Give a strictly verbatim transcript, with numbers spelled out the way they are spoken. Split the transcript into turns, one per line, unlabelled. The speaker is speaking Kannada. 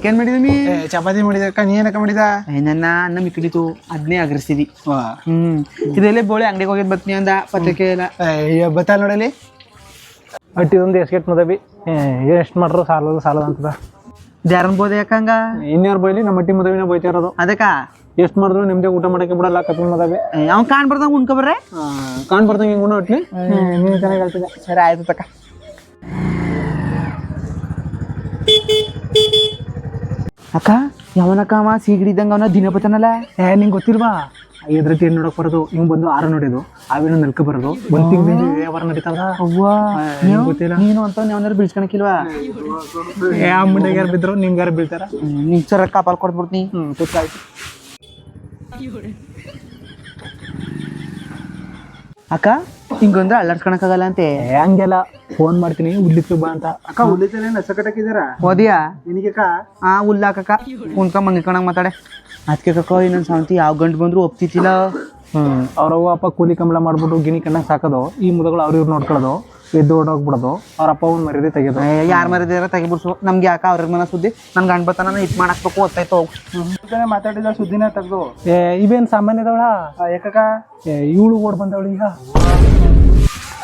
ಊಟಕ್ಕೇನ್ ಮಾಡಿದೀನಿ
ಚಪಾತಿ ಮಾಡಿದ ಅಕ್ಕ ನೀ ಏನಕ್ಕ ಮಾಡಿದ
ನನ್ನ ಅನ್ನ ಮಿಕ್ಕಿಡಿತು ಅದನ್ನೇ ಅಗರಿಸಿದಿ
ವಾ
ಹ್ಮ್ ಇದೆಲ್ಲ ಬೋಳೆ ಅಂಗಡಿಗೆ ಹೋಗಿದ್ ಬತ್ನಿ ಅಂದ ಪತ್ರಿಕೆ ಎಲ್ಲ
ಬತ್ತಾಳ ನೋಡಲಿ
ಅಟ್ಟಿದೊಂದು ಎಸ್ಕೆಟ್ ಮದವಿ ಎಷ್ಟು ಮಾಡ್ರು ಸಾಲದು ಸಾಲದ ಅಂತದ
ದ್ಯಾರನ್ ಬೋದೆ ಯಾಕಂಗ
ಇನ್ಯಾರು ಬೈಲಿ ನಮ್ಮ ಅಟ್ಟಿ ಮದವಿನ ಬೈತಾ ಇರೋದು
ಅದಕ್ಕ
ಎಷ್ಟು ಮಾಡಿದ್ರು ನಿಮ್ದೆ ಊಟ ಮಾಡಕ್ಕೆ ಬಿಡಲ್ಲ ಕಪಿಲ್ ಮದವಿ
ಅವ್ನ್ ಕಾಣ್ ಬರ್ದಂಗ ಉಣ್ಕೊ ಬರ್ರೆ
ಕಾಣ್ ಬರ್ದಂಗೆ ಹಿಂಗೆ ಉಣ್ಣು ಒಟ್ಲಿ ನೀನು ಚೆನ್ನಾಗಿ ಹೇಳ್ತಿದ್ದೆ
ಸರಿ ಆಯ್ತು ತಕ ಅಕ್ಕ ಯಾವನಕ್ಕ ಅವ ಸೀಗಡಿದಂಗ ಅವನ ದಿನ ಬತ್ತಾನಲ್ಲ
ಏ ನಿಂಗೆ ಗೊತ್ತಿಲ್ವಾ ಎದ್ರ ತೀರ್ ನೋಡಕ್ ಬರೋದು ಇವ್ ಬಂದು ಆರ ನೋಡಿದು ಅವೇನು ನಲ್ಕ ಬರೋದು ಒಂದ್ ತಿಂಗಳಿಂದ ವ್ಯವಹಾರ ನಡೀತದ
ಅವ್ವಾ
ಗೊತ್ತಿಲ್ಲ
ನೀನು ಅಂತ ಯಾವನಾರು ಬೀಳ್ಸ್ಕೊಳಕಿಲ್ವಾ
ಏ ಅಮ್ಮಂಡಿಗೆ ಯಾರು ಬಿದ್ರು ನಿಮ್ಗೆ ಯಾರು ಬೀಳ್ತಾರ
ನಿಂಗೆ ಸರ ಕಾಪಾಲ್ ಕೊಟ್ಬಿಡ್ತೀನಿ
ಹ್ಞೂ ಗೊತ್ತಾಯ್ತು
ಅಕ್ಕ ಹಿಂಗೊಂದ್ರೆ ಅಲ್ಲಾಡ್ಸ್ಕೊಳಕ್ಕಾಗಲ್ಲ ಅಂತೆ
ಏ ಹಂಗೆಲ್ಲ ಫೋನ್ ಮಾಡ್ತೀನಿ ಉಡ್ಲಿಕ್ಕೆ ಬಾ ಅಂತ
ಅಕ್ಕ ಉಳಿತಾನೆ ನಸ ಕಟ್ಟಕಿದಾರ
ಓದಿಯಾ
ನಿನಗೆ
ಆ ಉಲ್ಲಾಕಕ್ಕ ಕುಂತ್ಕ ಮಂಗಿಕಣಂಗ್ ಮಾತಾಡೆ ಅದಕ್ಕೆ ಕಕ್ಕ ಇನ್ನೊಂದು ಸಾವಂತಿ ಯಾವ ಗಂಟು ಬಂದ್ರು ಒಪ್ತಿತ್ತಿಲ್ಲ
ಹ್ಮ್ ಅವ್ರವ್ವ ಅಪ್ಪ ಕೂಲಿ ಕಂಬಳ ಮಾಡ್ಬಿಟ್ಟು ಗಿನಿ ಕಣ್ಣಾಗ ಸಾಕೋದು ಈ ಮುದಗಳು ಅವ್ರ ಇವ್ರು ನೋಡ್ಕೊಳ್ಳೋದು ಎದ್ದು ಓಡೋಗ್ಬಿಡೋದು ಅವ್ರ ಅಪ್ಪ ಒಂದು ಮರ್ಯಾದೆ ತೆಗೆದು
ಯಾರು ಮರಿದಾರ ತೆಗಿಬಿಡ್ಸು ನಮ್ಗೆ ಯಾಕೆ ಅವ್ರ ಮನ ಸುದ್ದಿ ನನ್ ಗಂಡ್ ಬತ್ತಾನ ಇಟ್ ಮಾಡಾಕ್ಬೇಕು ಓದ್ತಾಯ್ತು
ಮಾತಾಡಿದ ಸುದ್ದಿನ ತೆಗ್ದು
ಏ ಇವೇನು ಸಾಮಾನ್ಯ ಅದಾವಳ
ಯಾಕಕ್ಕ
ಏ ಇವಳು ಓಡ್ ಬಂದವಳು ಈಗ